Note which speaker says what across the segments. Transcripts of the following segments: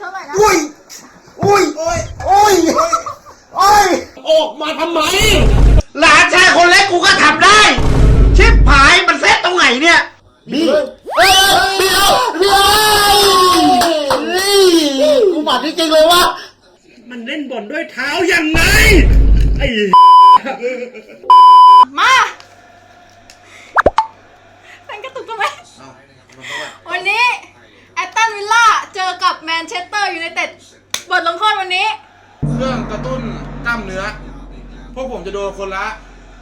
Speaker 1: เท่าไหร่นะ
Speaker 2: อุ้ยอุ้ยโอ้ยโอ้ยโอ้ย
Speaker 3: ออกมาทำไม
Speaker 2: หลานชายคนเล็กกูก็ทำได้ชิบหายมันเซตตรงไหนเนี่ยนี่เดี๋ยวกูหมัดจริงๆเลยวะ
Speaker 3: มันเล่นบอลด้วยเท้ายังไงไอ้
Speaker 1: มาเป็นกระตุกทำไมวันนี้แอตตันวิลล่าเจอกับแมนเชสเตอร์ยูไนเต็ดบทลงโทษวันนี้
Speaker 4: เครื่องกระตุ้นกล้ามเนื้อพวกผมจะโดนคนละ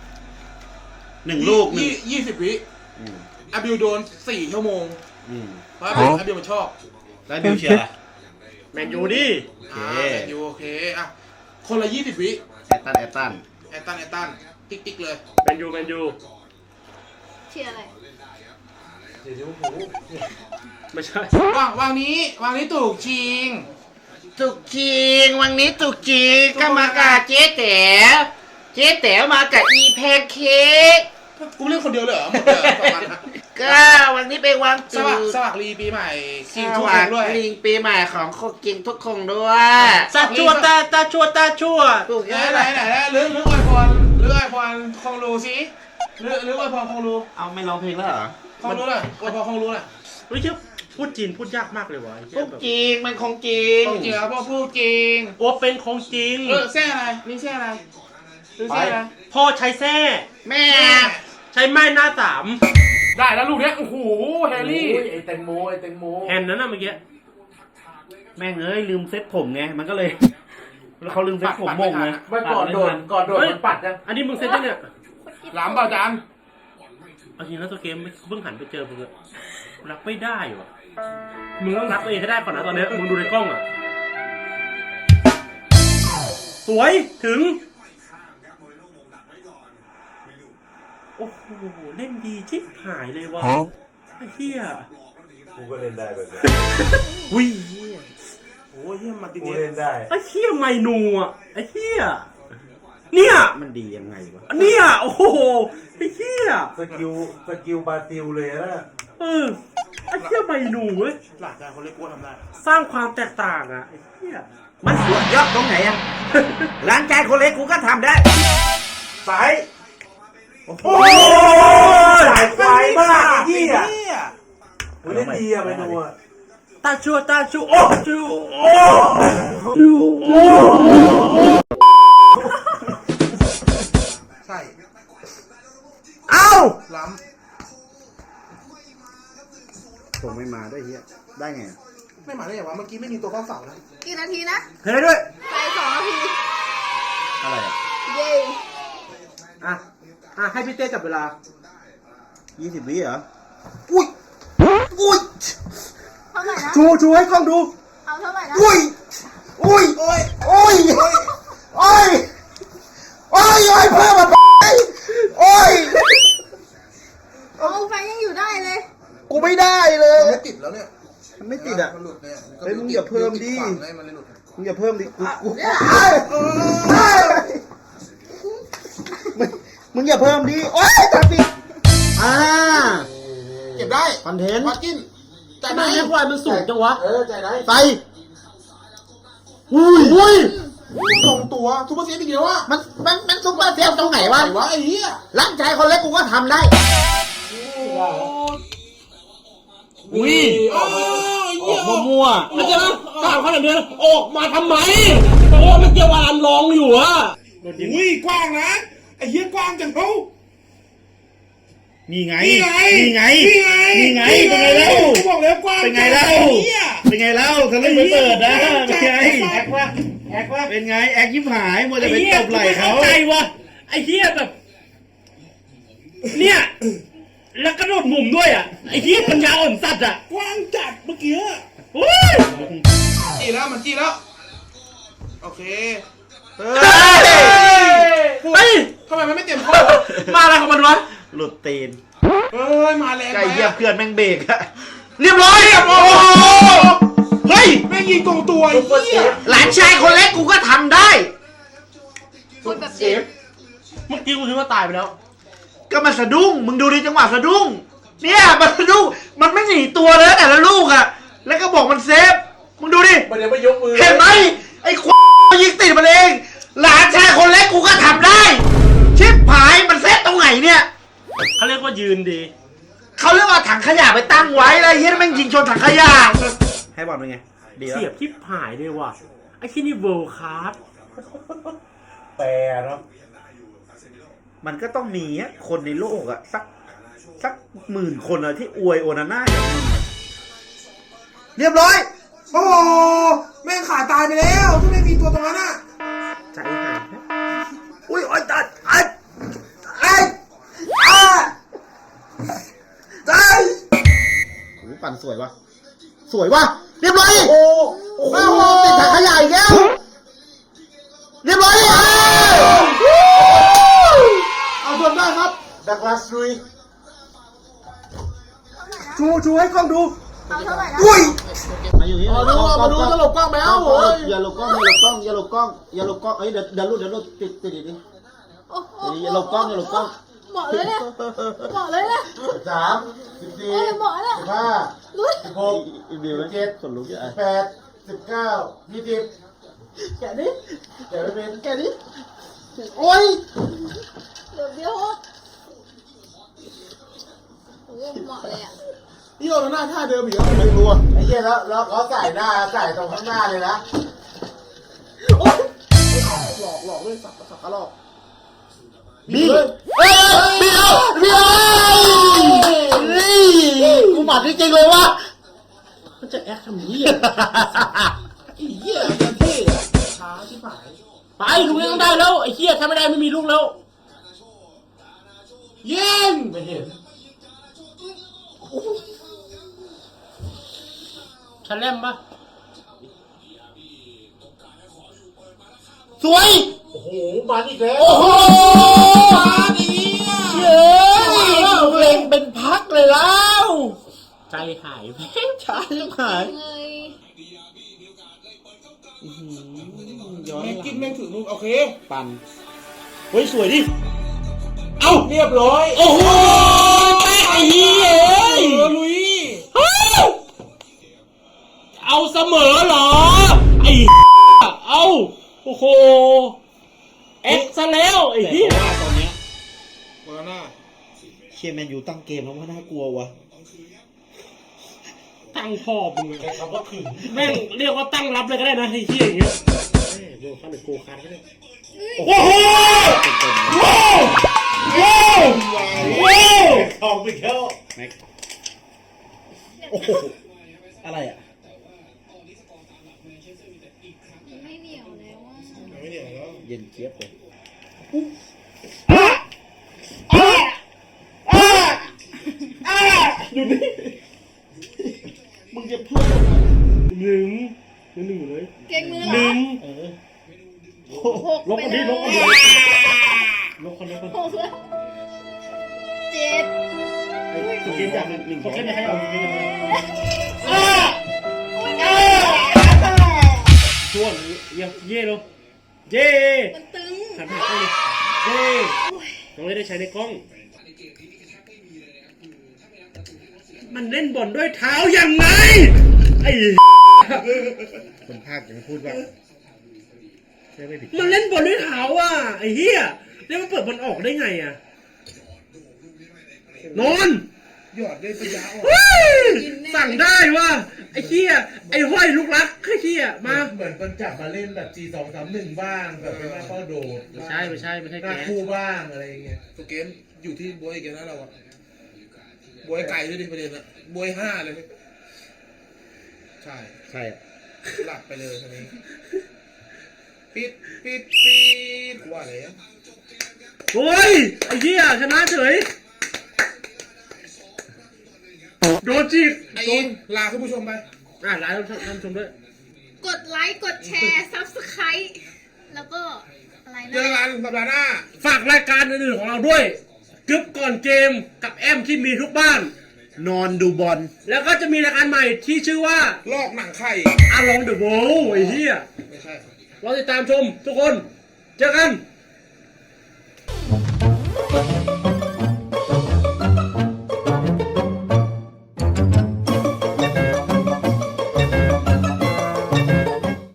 Speaker 2: 1 ลูก
Speaker 4: 20 วิอาบิวโดน4 ชั่วโมงเพราะอาบิวมันชอบ
Speaker 2: แล้วบิวเชียร์
Speaker 3: แมนยูดิ
Speaker 4: แมนยูโอเคอ่ะคนละ20 วิ
Speaker 2: แอตตัน
Speaker 4: ติ๊กเลย
Speaker 3: แมนยู
Speaker 1: เชียร์อะไร
Speaker 3: ไม่ใช่
Speaker 4: วางนี้ถูกจริง
Speaker 2: วันนี้ตุกจริงก็มากับเจ๊แต๋วมากับอีแพนเค้ก
Speaker 4: กูเล่นคนเดียวเลยเหรอหมดเลย2 วัน
Speaker 2: ก็วันนี้เป็นวัน
Speaker 4: สวัสดีปีใหม่
Speaker 2: กินทุกคนด้วยลิงปีใหม่ของคนกินทุกคนด้วย
Speaker 3: ตาชั่ว
Speaker 4: ถูกไหนหรืออวยพรคงรู้สิหรืออวยพรคงรู้
Speaker 2: เอาไม่ร้องเพลงแล้วเหรอ
Speaker 4: คงรู้เลยอวยพรคงรู้เลย
Speaker 3: เฮ้ยพูดจีนพูดยากมากเลยวะ
Speaker 2: พูดจริงมันของจริง
Speaker 4: ครับพ่อพูดจริง
Speaker 3: โอ้เป็นของจริง
Speaker 4: แซ่อะไรนี่แซ่อะไร
Speaker 3: พ่อใช้แซ่
Speaker 2: แม่
Speaker 3: ใช้ไม้หน้า3
Speaker 4: ได้แล้วลูกเนี้ยโอ้โหแฮร์รี่
Speaker 3: ไอแตงโมแฮนนั้นน่ะเมื่อกี้
Speaker 2: แม่งลืมเซ็ตผมไงมันก็เลยเขาลืมเซ็ตผมมงไง
Speaker 4: ไม่ก่อนโดนมันปัดยัง
Speaker 3: อันนี้มึงเซ็ตเนี่ย
Speaker 4: ล้ำเปล่าจาน
Speaker 3: เอาจริงแล้วตัวเกมเพิ่งหันไปเจอมึงอะรับไม่ได้วะมึงต้องรับตัวเองให้ได้ก่อนนะตอนนี้มึงดูในกล้องอะสวยถึงโอ้โหเล่นดีชิบหายเลยวะไอ้เหี้ย
Speaker 5: กูก็เล่นได้แบบนี้
Speaker 3: วิ่ง
Speaker 4: โอ้ยเหี้ยมาติ
Speaker 5: กูเล่นได้
Speaker 3: ไอ้เหี้ยไมนูอ่ะไอ้เหี้ยเนี่ย
Speaker 2: มันดียังไงวะ
Speaker 3: เนี่ยโอ้โหไอ้เหี้ย
Speaker 5: สกิลบาซิลเลยนะ
Speaker 3: ไอ้เหี้ยไมนูเว้ย
Speaker 4: หลักการเขาเรียกว่าทำได้
Speaker 3: สร้างความแตกต่างอ่ะไอ้เหี้ย
Speaker 2: มันสุดยอดตรงไหนอ่ะหลานชายคนเล็กกูก็ทำได้
Speaker 5: สายโอ้ยสายไฟมากที่อ่ะกูเล่นดีอ่ะไปดูอ่ะ
Speaker 3: ตาชัวโอ้
Speaker 4: ใช่
Speaker 2: เอ้า
Speaker 4: ล้
Speaker 2: ำผมไม่มาด้วยเฮียได้ไง
Speaker 4: ไม่มาได้ยังวะเมื่อกี้ไม่มีตัวเข้าเสานะ
Speaker 1: กี่นาทีนะ
Speaker 2: เฮ้ยด้วย
Speaker 1: ไป2 นาที
Speaker 2: อะไรอ่ะ
Speaker 1: เย้
Speaker 3: ให้พี่เต้จับเวลา
Speaker 2: 20 วิเหรอ
Speaker 1: อุ้ยเท่าไหร่นะ
Speaker 3: ชูให้กล้องดู
Speaker 1: เอาเท่าไหร่นะ
Speaker 2: อุ้ยเพิ่มมา
Speaker 1: เอาไฟยังอยู่ได้เลย
Speaker 2: กูไม่ได้เลย
Speaker 4: มันไม่ติดแล้วเนี่ย
Speaker 2: มันไม่ติดอ่ะ
Speaker 4: มันหลุดเนี่ย
Speaker 2: เฮ้ยมึงอย่าเพิ่มดิมึงอย่าเพิ่มดิมึงอย่าเพิ่มดิโอ๊ยจับดิ
Speaker 4: เก็บได้
Speaker 2: คอนเทนต์
Speaker 4: วัดกิน
Speaker 3: จ่ายไหมไอ้ควายมันสูงจังวะ
Speaker 4: จ่ายได้
Speaker 2: ไปอุ้ย
Speaker 4: ตรงตัวซุปเปอร์เซฟอีกเดียวอ่ะ
Speaker 2: มันซุปเปอร์เซฟตรงไหนวะ
Speaker 4: ไอ้เหี้ย
Speaker 2: ร่างกายคนเล็กกูก็ทำได้
Speaker 3: ออกมั่วมันจะนะตามขนาดนี้ออกมาทำไมเพราะว่ามันเกี่ยวกับลองอยู่อะ
Speaker 4: กว้างนะไอ้เหี้ยกว้างจังเขา
Speaker 3: นี่ไงเป็นไงแล้ว
Speaker 4: บอกแล้วกว้าง
Speaker 3: เป็นไงแล้วทะลึ่งไปเปิดนะเป็นไงแอกว่าเป็นไงแอกยิ้มหายมัวจะไปตบไหล่เขาใจวะไอ้เหี้ยแบบเนี่ยแล้วกระโดดมุมด้วยอ่ะไอ้เหี้ยปัญญาอ่อนสัตว์อ่ะ
Speaker 4: กว้างจัดเมื่อกี้จี้แล้วโอเค
Speaker 3: เฮ้ย
Speaker 4: ทำไมมันไม่เต็มข้อ
Speaker 3: มาอะไรของมันวะ
Speaker 2: หลุดตีน
Speaker 4: มาแรง
Speaker 2: ไก่เหยียบเพื่อนแม่งเบรกอะเรียบร้อยเฮ้ย
Speaker 4: แม่งยิงตรงตัว
Speaker 2: หลานชายคนเล็กกูก็ทำได้
Speaker 1: พูดแบบเซฟ
Speaker 3: เมื่อกี้กูคิดว่าตายไปแล้ว
Speaker 2: ก็มันสะดุ้งมึงดูดิจังหวะสะดุ้งเนี่ยมันสะดุ้งมันไม่หนีตัวเลยแต่ละลูกอะแล้วก็บอกมันเซฟมึงดูดิ
Speaker 5: มันยังไม่ยกมือ
Speaker 2: เห็นไหมไอ้ควยิงติดมันเอง หลานชายคนเล็กกูก็ทำได้ ชิบหายมันเซตตรงไหนเนี่ย
Speaker 3: เขาเรียกว่ายืนดี
Speaker 2: เขาเรียกว่าถังขยะไปตั้งไว้แล้วเฮียแม่งยิงชนถังขยะให้บอลเป็นไงดีแล้ว
Speaker 3: เสียบที่หายเลยว่ะไอ้ที่นี่เวิลด์คลาส
Speaker 5: แปรเนาะ
Speaker 2: มันก็ต้องมีอะคนในโลกอะสัก10,000 คนอะที่อวยโอนาน่าอย่างมึงอะเรียบร้อย
Speaker 5: โอ้โหแม่งขาตายไปแล้วถ้าไม่มีตัวตรงนั้นอ่ะ
Speaker 2: ใจหายนะอุ้ยโอ้ยตัดไอ้ตายโอ้ปั่นสวยวะสวยวะเรียบร้อยโอ้โหติดถังขยะอีกแล้วเรียบร้อยเอาส่วนได้ครับดักลาสลุยชูให้กล้องดู
Speaker 1: เอาเท่าไหร่นะ
Speaker 2: อุ้ยมาอยู่นี่มาดูจะหลบกล้องแมวอย่าหลบกล้องอย่าหลบกล้องอย่าหลบกล้องอย่าหลบกล้องเอ้ยเดี๋ยวรูดติดดิ
Speaker 1: โอ้โห
Speaker 2: อย่าหลบกล้องอย่าหลบกล้อง
Speaker 1: เหมาะเลยเนี่ยเหมาะเลยเนี่ย
Speaker 2: 3 14
Speaker 1: โอ้ยเหมาะแล้ว
Speaker 2: 15
Speaker 1: ลุ้น
Speaker 2: 16 17 18 19 20แกะดิแกะไม่เป็นแกะดิโอ้ย
Speaker 1: เดี๋ยวโอ้ยเหมาะเลยอ่ะ
Speaker 2: นี่โอนาน่าท่าเดิมอีกแล้วไม่รู้ไอ้เหี้ยแล้วเขาใส่หน้าใส่ตรงข้างหน้าเลยนะหลอกด้วยสับกระหลอกบีเอ้ยบีกูหมัดจริงๆเลยวะ
Speaker 3: มันจะแอคทำเหี้ย
Speaker 2: ไอ้เหี้ยมันเท่อะช้าชิบหาย
Speaker 3: ไปลูกนี้ต้องได้แล้วไอ้เหี้ยถ้าไม่ได้ไม่มีลูกแล้ว
Speaker 2: ยิงไม่เห็น
Speaker 3: ชันแลมปะ
Speaker 2: สวย
Speaker 5: โอ้โหมาอีกแล้ว
Speaker 2: โอ้โหเย้เล็งเป็นพักเลยแล้ว
Speaker 3: ใจหายแม่
Speaker 2: ช้าชิบหาย
Speaker 1: เงย
Speaker 5: แม่งกินแม่งถึงนู่นโอเค
Speaker 2: ปั่นเฮ้ยสวยดิ
Speaker 5: เอ้าเรียบร้อย
Speaker 3: โอ้โหแม่ไอ้เหี้ย
Speaker 5: ลุย
Speaker 3: เอาเสมอเหรอไอ้เอาโอ้โหแอคซะแล้วไอ้เหี้ย
Speaker 5: ตอนเนี้ยโอนาน่า
Speaker 2: เชียร์แมนยูตั้งเกมแล้วว่าน่ากลัววะ
Speaker 3: ตั้งพ่อมึง
Speaker 5: ใช้คำว่าขึง
Speaker 3: แม่งเรียกว่าตั้งรับเลยก็ได้นะไอ้เหี้ยอย่างเงี้ยโดนคันหรือโกคันก็ได้
Speaker 5: โอ้โหว้าวทองไปแล้ว
Speaker 2: โอ้โหอะไรอ่ะ
Speaker 1: ไม่เหนียวแล้วอ่ะ
Speaker 5: ไม่เหนียวแล้ว
Speaker 2: เย็นเจี๊ยบเลย มึงจะพูดทำไม
Speaker 3: หนึ่งเลย
Speaker 1: เก่งมือเหร
Speaker 3: หนึ่
Speaker 1: อง หก
Speaker 3: ลบ
Speaker 1: ไป
Speaker 3: คน
Speaker 1: เล
Speaker 3: นี้
Speaker 1: ย
Speaker 3: ลบคนนี้ลบคนนี้
Speaker 1: หกเลยเจ็ด
Speaker 3: ตัวเกมจากหนึ่งเขาแค่ไม่ให้เอาเกมช่วงเย่ลงเย่
Speaker 1: มันตึง
Speaker 3: หันหน้าเข้าเลยเย่ต้องได้ใช้ในกล้อง มันเล่นบอลด้วยเท้ายังไงไอ้
Speaker 2: คนภาคจะไม่พูดว่าใช่ไม่ผิด
Speaker 3: มันเล่นบอลด้วยเท้าอ่ะไอ้เหี้ยแล้วมันเปิดบอลออกได้ไงอ่ะนอน
Speaker 5: หยอดได้ปัญญาอ่อน
Speaker 3: สั่งได้ว่ะไอ้เหี้ยไอ้ห้อยลูกรักไอ้เหี้ยมา
Speaker 5: เหมือนคนจับมาเล่นแบบ G231 บ้างแบบเป็นมาเข้าโดด
Speaker 3: ไม่ใช่ห
Speaker 5: หน้า
Speaker 3: แก
Speaker 5: คู่บ้างอะไรอย่างเงี้ยตัวเกมอยู่ที่บวยอีกนะเราอะบวยไก่ด้วยดิประเด็นอะบวย5เลยใช่
Speaker 2: ใช่อะ
Speaker 5: หลับไปเลยทีนี้ปิดว่าอะไรอะ
Speaker 3: โอ้ยไอ้เหี้ยชนะเฉยโดนจีบ
Speaker 5: ไอ้อินลาคุณผู้ชมไป
Speaker 3: ไลน์ท่านชมด้วย
Speaker 1: กดไลค์กดแชร์ซับสไครต์แล้วก็อะไร
Speaker 5: เจอ
Speaker 1: นะ
Speaker 5: กันสัปดาห์หน้า
Speaker 3: ฝากรายการอื่นๆของเราด้วยกึ๊บก่อนเกมกับแอมที่มีทุกบ้าน
Speaker 2: นอนดูบอล
Speaker 3: แล้วก็จะมีรายการใหม่ที่ชื่อว่า
Speaker 5: ลอกหนังไข่
Speaker 3: Along the Wall ไอ้เหี้ย
Speaker 5: ไม่ใช่
Speaker 3: รอติดตามชมทุกคน เจอกัน